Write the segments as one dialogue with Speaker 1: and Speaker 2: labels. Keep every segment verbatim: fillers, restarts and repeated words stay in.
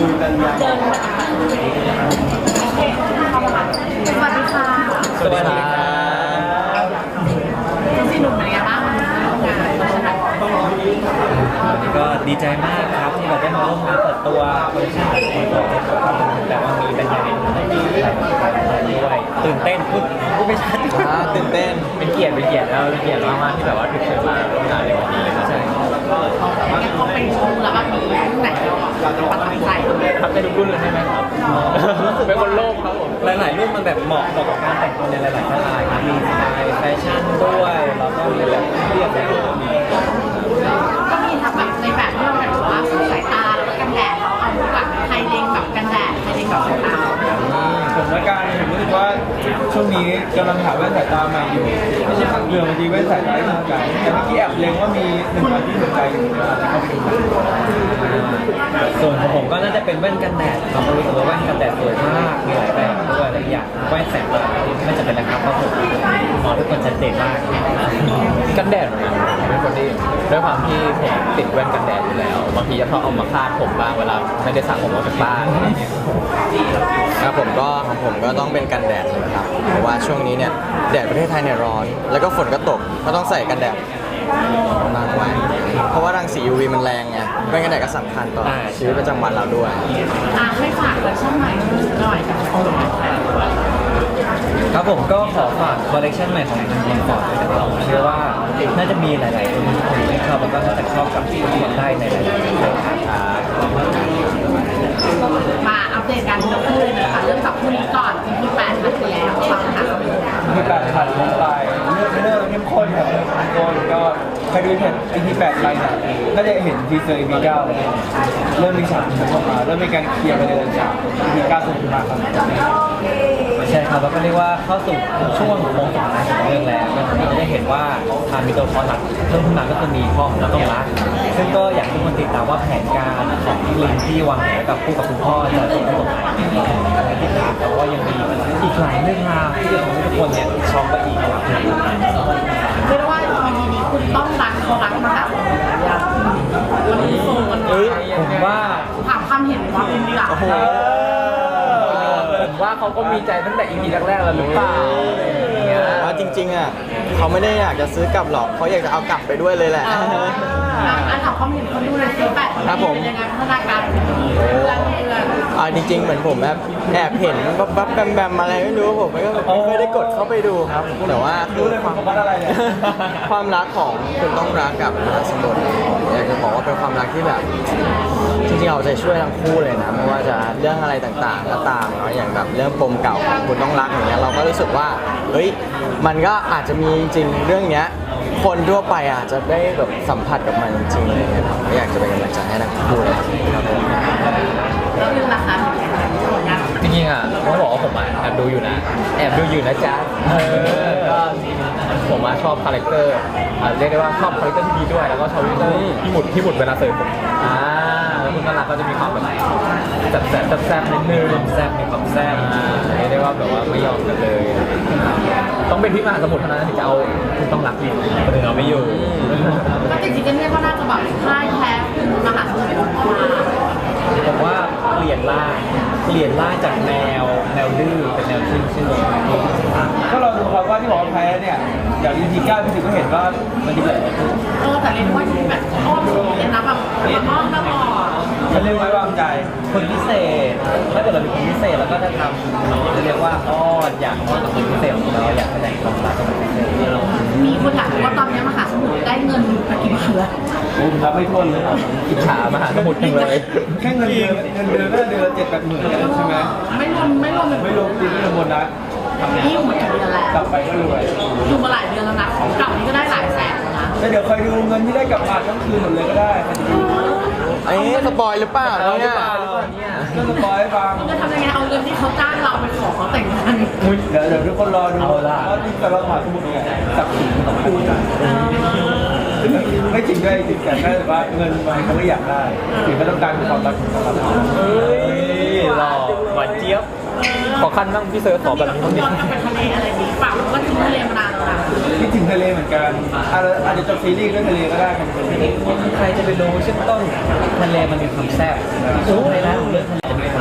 Speaker 1: เดินโอเคเข้ามาค่ะสวัสดีค่ะ
Speaker 2: สวัสดีครับ
Speaker 1: ทั้งสี่หนุ่มเป็นยังไงบ้างวันนี้ร่วมงานมาชนะ
Speaker 2: ก็ดีใจมากครับที่แบบได้มาร่วมงานเปิดตัวคอลเลคชั่นของคนบอกแต่ว่ามีเป็นยังไงด้วยตื่นเต้นพูดพูดไม่ชัด
Speaker 3: อ่าตื่นเต้น
Speaker 2: เป็นเกียรติเป็นเกียรติแล้วเป็นเกียรติมากๆที่แบบว่าถูกเชิญมาร่วมงานในวันนี้ใช่
Speaker 1: งั้นเขาไปชมแล้วแบบมีรุ่นไหนเราจะประทับใจ
Speaker 2: ครับได้ดูรุ่นเลยใช่ไหมครับรู้สึกเป็นคนโลภครับผมหลายๆรุ่นมันแบบเหมาะกับการแต่งตัวในหลายๆสไตล์ครับมีสไตล์แฟชั่นด้วยแล้วก็มีแบบเรียบแบบมี
Speaker 1: ก็มีทั้งแบบในแบบที่เราแบบว่าสายตาแล้วก็กันแดดเขาเอาแบบไฮเลงแบบกันแดดไฮเลงแบบสายตา
Speaker 3: ผมละกันผมรู้สึกว่าช่วงนี้กำลังหาแว่นสายตาใหม่อยู่ไม่ใช่ทางเรือบางทีแว่นสายตาที่ถูกใจแต่เมื่อกี้แอบเล็งว่ามีหนึ่งอันที่ถูกใจอยู่อาจจะเข้าไปดู
Speaker 2: ส่วนของผมก็น่าจะเป็นแว่นกันแดดเรารู้สึกว่าแว่นกันแดดสวยมากมีหลายแบบด้วยหลายอย่างแว่นแสงตาไม่จำเป็นนะครับเพราะผมมองทุกคนชัดเจนมาก
Speaker 4: กันแดดเหมือนกันผมเป็นคนที่ด้วยความที่ผมติดแว่นกันแดดอยู่แล้วบางทีจะชอบเอามาคาดผมบ้างเวลาไม่ได้สระผมออกจากบ้าน
Speaker 3: ครับผมก็ของผมก็ต้องเป็นกันแดดเลยครับเพราะว่าช่วงนี้เนี่ยแดดประเทศไทยเนี่ยร้อน แล้วก็ฝนก็ตกก็ต้องใส่กันแดดนานไว้เพราะว่ารังสี ยู วี มันแรงไงแว่นกันแดดก็สำคัญต่อชีวิตประจำวันเราด้วย
Speaker 1: อ่ะให้ฝากคอลเลคชั่นใหม่หน่อยกับคน
Speaker 2: ครับผมก็ขอฝากคอลเลคชันใหม่ของทางทีมฟอร์ดด้วยนะครับผมเชื่อว่าน่าจะมีหลายๆคนที่ชอบแล้วก็น่าจะชอบกับที่ฟอร์ดได้ในหลายๆเรื่องครับ
Speaker 1: มาอัปเดตการทีละคู่เลยนะคะเริ่มจากคู่นี้ก่อนที่แปดนาทีแล้วฟังค่ะ
Speaker 3: มีแปดผ่านลงไปเลือกเลือกเข้มข้นครับเลือกเข้มข้นก็ใครดูเห็น อี พี แปดไปเนี่ยก็จะเห็นทีเซอร์ อี พี เก้าเริ่มมีฉากเข้ามาเริ่มมีการเคลียร์ประเด็นจาก อี พี เก้าสุดมาครับ
Speaker 2: ใช่ครับแล้วก็เรียกว่าเข้าสู่ช่วงโค้งสุดท้ายของเรื่องแล้วก็จะได้เห็นว่าทางมีตัวละครหลักเพิ่มขึ้นมาก็คือมีพ่อของเราต้องรักซึ่งก็อยากให้ทุกคนติดตามว่าแผนการของพี่ลิงที่วางแผนกับคู่กับคุณพ่อจะส่งตรงไหนติดตามแต่ว่ายังมีอีกหลายเรื่องราวที่จะทำให้ทุกคนเนี่ยช็อกไปอีกครับ
Speaker 1: เรียกได้ว่า อี พี นี้คุณต้องรักเขารักมาแบบวันนี้โซนกันเล
Speaker 2: เอ้
Speaker 1: ย
Speaker 2: ยผมว่า
Speaker 1: ถามความเห็นว่าเป็นดีกว่า
Speaker 4: ผมว่าเขาก็มีใจตั้งแต่ อี พี แรกๆแล้วหรือเปล่าอย่างเงี้ย
Speaker 3: ว่าจริงๆอ่ะเขาไม่ได้อยากจะซื้อกลับหรอกเขาอยากจะเอากลับไปด้วยเลยแหละ
Speaker 1: อ่ะถามความเห็นคนดูในซีแปด
Speaker 3: ครับผม
Speaker 1: เป็นยังไงพัฒนาการเป็นยังไงเพื่อนเพื่อน
Speaker 3: อ่าจริงๆเหมือนผมแบบแอบเห็นบับบับแบมแบมอะไรไม่รู้ผมไม่ก็ไม่เคยได้กดเข้าไปดูครับแต่ว่าคือความความรักของคุณต้องรักกับมหาสมุทรอยากจะบอกว่าเป็นความรักที่แบบจริงๆเอาใจช่วยทั้งคู่เลยนะไม่ว่าจะเรื่องอะไรต่างๆก็ตามเนาะอย่างแบบเรื่องปมเก่าของคุณต้องรักอย่างเงี้ยเราก็รู้สึกว่าเฮ้ยมันก็อาจจะมีจริงเรื่องเนี้ยคนทั่วไปอาจจะได้แบบสัมผัสกับมันจริงๆเลยนะครับก็อยากจะเป็นกำลังใจให้ทั้งคู่เลยครับผม
Speaker 1: แล้วนึงนะคะผลงาน
Speaker 4: จริงๆอ่ะต้องบอกว่าผมอ่ะแอบดูอยู่นะแอบดูอยู่นะจ๊ะเออก็ผมอ่ะชอบคาแรคเตอร์อ่ะเรียกได้ว่าชอบคาแรคเตอร์ที่ดีด้วยแล้วก็ชอบคาแรคเตอร์ที่หมุดที่หมุดเวลาเสิร์ฟผมอ่าแล้วคุณน่ารักก็จะมีความแบบแซ่บแซ่บแซ่บนิดนึง
Speaker 2: แซ่บมีความแซ่บ
Speaker 4: อ่าเรียกได้ว่าแบบว่าไม่ยอมกันเลย ต้องเป็นพี่มหาสมุทรเท่านั้นถึงจะเอาคุณต้องรักอยู่คนอื่นเอาไม่อยู่
Speaker 1: ก็จริงๆก็เนี่ยก็น่าจะแบบค่ายแท้คุณมหาสมุทรเป็นพ่อมา
Speaker 2: ผมว่าเปลี่ยนร่างเปลี่ยนร่างจากแนวแนวดื้อเป็นแนวชื่นชื่น
Speaker 3: ก็เราดูครับว่าที่บอกว่าแพ้เนี่ยอย่าง อี พี เก้าพี่ถึงก็เห็นว่ามันดีเลย
Speaker 1: เออแต่เรียกว่าที่แบบอ้อมสูงเลยนะแบบแบบอ้อมนะบอก
Speaker 3: มันเรียกไว้วางใจ
Speaker 2: คนพิเศษถ้าเกิดเราเป็นคนพิเศษเราก็จะทำจะเรียกว่าอ้อนอยากอ้อนกับคนพิเศษของเราอยากแสดงความรักกับคนพิเศษ
Speaker 1: มีคนอยากรู้ว่าตอนนี้มหาสมุทรได้เงินไปกี่บาทแล้ว
Speaker 3: ผมรับไม่ทวนเลย
Speaker 4: อิจฉามหาสมุทรจังเลย
Speaker 3: แค่เงินเดือนเงินเดือนก็เดือนละเจ็ดแปดหมื่นใช่ไหม
Speaker 1: ไม่รวมไม่รวม
Speaker 3: ไม่รวมจริงไม่รวมโบนัส
Speaker 1: นี่อยู่มากี่เดือนแล้ว
Speaker 3: กลับไปก็รวย
Speaker 1: อยู่มาหลายเดือนแล้วนะของเก่านี่ก็ได้หลายแสนแล้วนะ
Speaker 3: แล้วเดี๋ยวคอยดูเงินที่ได้กลับมาทั้งคืนหมดเลยก็ได้เอ๊ะสปอยหรือเปล่าเนี่ยก็สปอยให้ฟัง
Speaker 1: มันจะทำยังไงเอาเงินที่เขาจ้างเราไปขอเขาแต่งงาน
Speaker 3: เดี๋ยวเดี๋ยวทุกคนรอดูว่าที่กระเราหาสมุดเนี่ยสับสนของคู่กันไม่จริงด้วยจริงแต่แค่ว่าเงินมันเขาไม่อยากได้สิ่งที่ต้องการคือความรักของเรา
Speaker 4: เฮ้ยหล่อหวานเจี๊ยบ ขอขั้นบ้างพี่เซิร์ฟขอแบบนี้
Speaker 1: ต้
Speaker 4: บ้า
Speaker 1: อง ง
Speaker 4: ดิ
Speaker 1: ย้อนกลับไปทะเลอะไรนี้เปล่าก็ทิ้งทะเลมานานแล้วนะ
Speaker 3: คิดถึงทะเลเหมือนกันอาจจะอาจจะจบซีรีส์ด้วยทะเลก็ได้ครับ
Speaker 2: ใครจะไปรู้เช่นต้นทะเลมันมีความแซ่บช่วงเลยนะเรื่องทะเล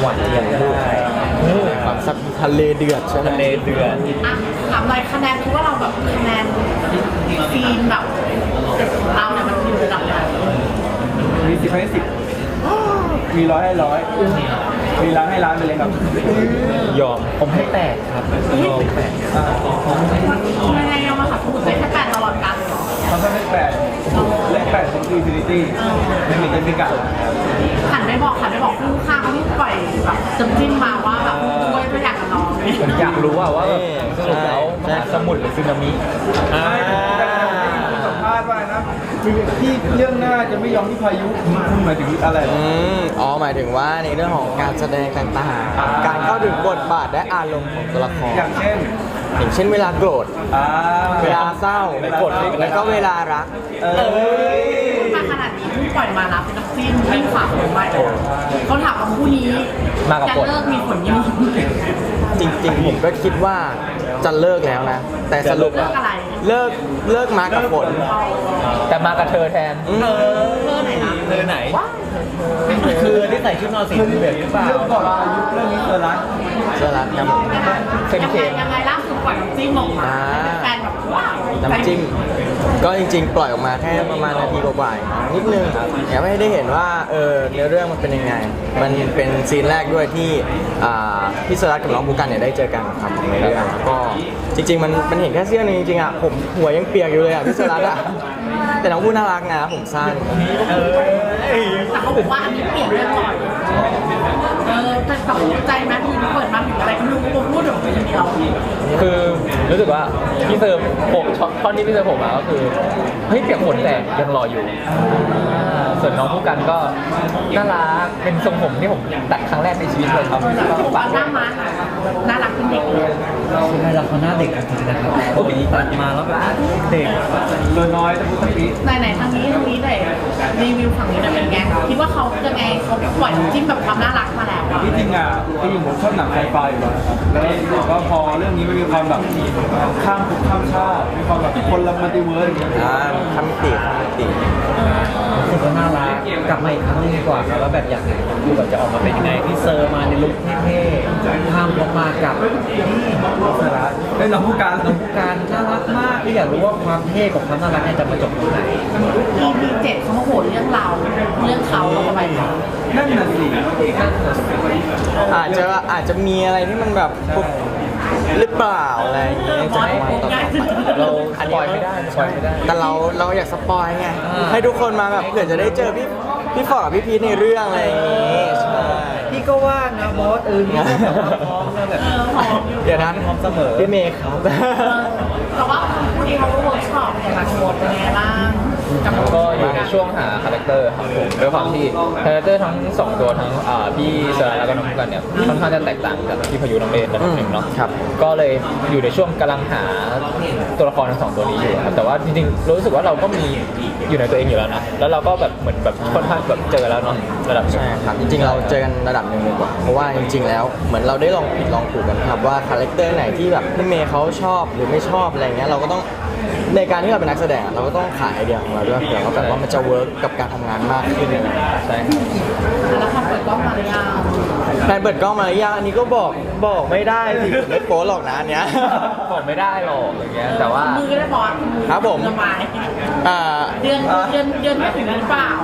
Speaker 2: หวานเจี๊ยบได้
Speaker 3: ความซับทะเลเดือดใช่ไหม
Speaker 2: ทะเลเดือด
Speaker 1: อ่ะถามหน่อยคะแนนคิดว่าเราแบบคะแนนซีนแบบเราเนี่ยมันอยู่ระดับไหน
Speaker 5: มีสิบให้สิบมีร้อยให้ร้อยมีล้านให้ล้านไปเลยครับ
Speaker 2: ยอมผมให้แปดครับยอมแปด
Speaker 1: ยังไงเอามาขับพูดได้แค่แปดตลอดการเหรอ
Speaker 5: เขาก็เลขแปดเลขแปดของอินฟินิตี้ไม่มีเจนพิกัด
Speaker 1: หันไปบอกหันไปบอกคู่ข้างเขาที่ปล่อยแบบจำจิ้มมาว่าแบบด้วยตัวอย่างกับน้องเลย
Speaker 2: ผมอยากรู้ว่าว่าแบบสรุปแล้วมหาสมุทรหรือสึนามิอ่า
Speaker 5: สัมภาษณ์ว่านะที่เรื่องหน้าจะไม่ยอมที่พายุคุณหมายถึงอะไร
Speaker 3: อืมอ๋อหมายถึงว่าในเรื่องของการแสดงต่างๆการเข้าถึงบทบาทและอารมณ์ของตัวละคร
Speaker 5: อย่างเช่น
Speaker 3: อย่างเช่นเวลาโกรธ
Speaker 5: อ่า
Speaker 3: เวลาเศร้า
Speaker 5: เวลาเศร้า
Speaker 3: แล้วก็เวลารัก
Speaker 5: เออ
Speaker 1: มาขนาดนี้เพิ่งปล่อยมารับเป็นนักจิ้มที่ฝากผมไว้เขาถามว่าคู่นี้จะเลิกมีผลยังไง
Speaker 3: จริงๆ ผมก็คิดว่าจะเลิกแล้วนะ แต่สรุป
Speaker 1: เลิกอะไร
Speaker 3: เลิกเลิกมากับฝน
Speaker 4: แต่มากับเธอแทน
Speaker 3: อืม
Speaker 1: เลิกไหนนะ
Speaker 2: เธอไหน คือที่ใส่ชุดนอนสีเหลืองหรือเปล่า
Speaker 5: เรื่องก่อนอายุเรื่องนี้เธอรัก
Speaker 3: เสื้อรัดครับผม
Speaker 1: ยังไงยังไงล่าสุดปล่อยน้ำจิ้มออกมาแฟนแบบว้าว
Speaker 3: น้ำจิ้ม ก็จริงๆ ปล่อยออกมาแค่ประมาณนาทีกว่าๆนิดนึงอยากให้ได้เห็นว่าเออเนื้อเรื่องมันเป็นยังไง มันเป็นซีนแรกด้วยที่อ่าพี่สรัตกับน้องบูกันเนี่ยได้เจอกันครับในเรื่องแล้วก็จริง ๆ มันมันเห็นแค่เสื้อนึงจริงๆอ่ะผมหัวยังเปียกอยู่เลยอ่ะพี่สรัตอ่ะแต่น้องบูน่ารักนะผมสั้น
Speaker 1: แต่เขาบอกว่าอันนี้เปลี่ยนเรื่องก่อนเออแต่ตกใจไหมทีนี้เปิดมาถึงอะไรก็ไม่รู้ผมพูดถึงคนเดียว
Speaker 4: คือรู้สึกว่าพี่เซอร์ผมท่อนที่พี่เซอร์ผมมาก็คือเฮ้ยเปียกฝนแต่ยังรออยู่ส่วนน้องผู้กันก็น่ารักเป็นทรงผมที่ผมตัดครั้งแรกในชีวิตเลยครับ
Speaker 1: ผมว่าหน้ามันน่ารักเป็นเด็กเลย
Speaker 2: ใช่แล้วเขาหน้าเด็กจริงๆนะครับโอ้ยตัดมาแล้วแบบเด็ก
Speaker 5: เรือน้อยแต่พูดตะกี้
Speaker 1: ไหนไหนทางนี้ทางนี้หน่อยรีวิวฝั่งนี้หน่อยเป็นไงคิดว่าเขาจะไงเขาปล่อยน้ำจิ้มแบบความน่ารักมาแล้วอะ
Speaker 5: ที่จริงอ่ะที่จริงผมชอบหนังไซไฟอยู่แล้วนะครับแล้วบอกว่าพอเรื่องนี้มันมีความแบบข้ามภพข้ามชาติมีความแบบคนละมัลติเวิร์สอย่างเงี้ย
Speaker 3: อ่าคำติคำติ
Speaker 2: รู้สึกว่าน่ารักกลับมาอีกครั้งหนึงดีกว่าครับว่าแบบอยากดูแบบจะออกมาเป็นยังไงพี่เซอร์มาในลุคเท่ๆข้ามลงมากับนี่
Speaker 5: สาระได้น้องผู้การ
Speaker 2: น้องผู้การน่ารักมากที่อยากรู้ว่าความเท่กับความน่ารักเนี่ยจะมาจบตรงไหน
Speaker 1: อีพีเจ็ดเขามาโหดเรื่องเราเรื่องเขาเราทำไมคะ
Speaker 5: นั่นน่ะสิ
Speaker 3: อาจจะอาจจะมีอะไรที่มันแบบปุ๊บหรือเปล่าอะไรอย่างเงี้ยจะมาต่อต่อไป
Speaker 4: เราปล่อยไม่ได้ปล่อยไม่ได้
Speaker 3: แต่เราเราอยากสปอยไง
Speaker 2: อ่า
Speaker 3: ให้ทุกคนมาแบบเผื่อจะได้เจอพี่พี่ฟอร์ดกับพี่พีทในเรื่องอะไรอย่างงี้ใช่
Speaker 2: พี่ก็ว่างนะบอสเออพี่ก็แบบว่าพร้อมนะแบบ
Speaker 1: เออหอมอยู่
Speaker 3: เดี๋ยวนะ
Speaker 2: พร้อมเสมอ
Speaker 3: พี่เมย์ครับ
Speaker 1: เออแต่ว่าคู่นี้เขาก็เวิร์กช็อปอย่างละโชว์เป็นไงบ้างกับ
Speaker 4: ก็อยู่ในช่วงหาคาแรคเตอร์ครับผมด้วยความที่คาแรคเตอร์ทั้งสองตัวทั้งอ่าพี่เซอร์แล้วก็น้องผู้กันเนี่ยค่อนข้างจะแตกต่างจากพี่พายุน้องเลนระดับหนึ่งเนาะ
Speaker 3: ครับ
Speaker 4: ก็เลยอยู่ในช่วงกำลังหาตัวละครทั้งสองตัวนี้อยู่ครับแต่ว่าจริงๆรู้สึกว่าเราก็มีอยู่ในตัวเองอยู่แล้วนะแล้วเราก็แบบเหมือนแบบค่อนข้างแบบเจอแล้วเนาะระดับหนึ่ง
Speaker 3: ใช่ครับจริงๆเราเจอกันระดับหนึ่งดีกว่าเพราะว่าจริง ๆ แล้วเหมือนเราได้ลองผิดลองถูกกันครับว่าคาแรคเตอร์ไหนที่แบบพี่เมย์เขาชอบหรือไม่ชอบอะไรเงี้ยเราก็ต้องในการที่เราเป็นนักแสดงเราก็ต้องขายไอเดียของเราด้วยเผื่อว่าแบบว่ามันจะเวิร์กกับการทำงานมากขึ้น
Speaker 4: ใช่ครับ
Speaker 1: แล้วพอเปิดกล้องมาหรือยัง
Speaker 3: แฟนเปิดกล้องมาหรือยังอันนี้ก็บอกบอกไม่ได้สิไม่โป๊หรอกนะอันเนี้ย
Speaker 4: บอกไม่ได้หรอกอย่างเงี้ยแต่ว่า
Speaker 1: มือได้บอส
Speaker 3: ครับผม
Speaker 1: ระบาย
Speaker 3: อ่า
Speaker 1: เดือนเดือนเดือนไม่ถึงหรือเปล่า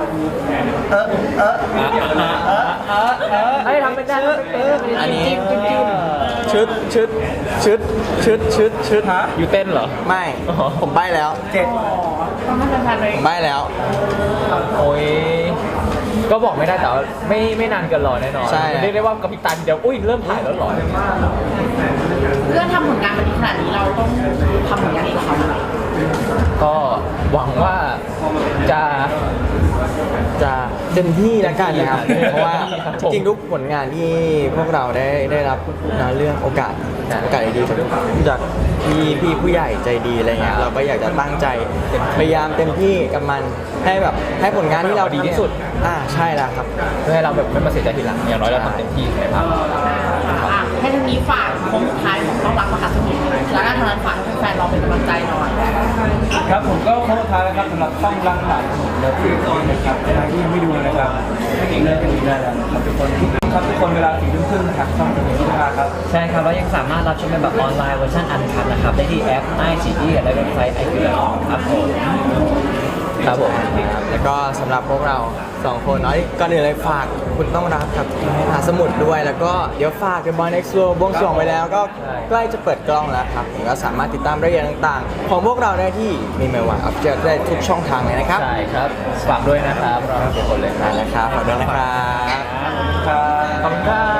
Speaker 4: เฮ้ยทำไม่ได้ทำไม่เป็น
Speaker 3: อันนี้
Speaker 4: จิ้มจิ้มจิ้ม
Speaker 3: ชุดชุดชุดชุดชุดชุดฮะ
Speaker 4: อยู่เต้นเหรอ
Speaker 3: ไม่
Speaker 4: อ๋อ
Speaker 3: ผมใบ้แล้ว
Speaker 5: เจ็ด
Speaker 1: ต้องให้แฟนๆเลย
Speaker 3: ผมใบ้แล้ว
Speaker 4: โอ้ยก็บอกไม่ได้แต่ว่าไม่ไม่นานเกินรอแน่นอน
Speaker 3: ใช่
Speaker 4: เรียกได้ว่ากระพริบตาทีเดียวอุ้ยเริ่มถ่ายแล้วเหรอ
Speaker 1: เพื่อทำผลงานมาดีขนาดนี้เราต้องทำผลงานดีกว่าเขาไหม
Speaker 4: ก็หวังว่าจะ
Speaker 3: จะเต็มที่แล้วกันนะครับ เพราะว่า
Speaker 4: ครับ
Speaker 3: จ
Speaker 4: ผม
Speaker 3: ริงๆทุกผลงานที่พวกเราได้ได้รับนะเรื่องโอกาสโอกาสดีๆจากจากพี่พี่ผู้ใหญ่ใจดีอะไรเงี้ยเราก็อยากจะตั้งใจพยายามเต็มที่กับมันให้แบบให้ผลงานที่เราดีที่สุดอ่าใช่แล้วครับ
Speaker 4: เพื่อให้เราแบบไม่มาเสียใจทีหลังอย่างน้อยเราทำเต็มที่ในภาพ
Speaker 1: อ่ะให้ทางนี้ฝากโค้งสุดท้ายของต้องรักมหาสมุทรแล้วก็ทางนั้นฝากให้แฟนๆเราเป็นกำลังใจหน่อย
Speaker 5: ครับผมก็โค้งสุดท้ายแล้วครับสำหรับต้องรักหลานแล้วที่นะครับใครที่ยังไม่ดูนะครับเลิกกันดูได้แล้วนะครับทุกคนครับทุกคนเวลาสี่ทุ่มครึ่งทางช่องทางนี้นะครับ
Speaker 2: ใช่ครับแล้วยังสามารถรับชมเป็นแบบออนไลน์เวอร์ชันอันคัทนะครับได้ที่แอป ไอ ซี อี และเว็บไซต์ ไอ คิว ครับผม
Speaker 3: ครับผมแล้วก็สำหรับพวกเราสองคนเนาะก่อนอื่นเลยฝากคุณต้องรักกับมหาสมุทรด้วย แล้วก็เดี๋ยวฝาก The Boy Next Door บวงสรวงไปแล้วก็ใกล้จะเปิดกล้องแล้วครับผมก็สามารถติดตามรายละเอียดต่างๆ ของพวกเราได้ที่มีเมลวันออฟเจอได้ทุกช่องทางเลยนะครับ
Speaker 4: ใช่ครับฝากด้วยนะครับเราทุกคนเลย
Speaker 3: นั่นแหละครับขอบคุณนะครับ
Speaker 5: ครับ
Speaker 3: ขอบคุณครับ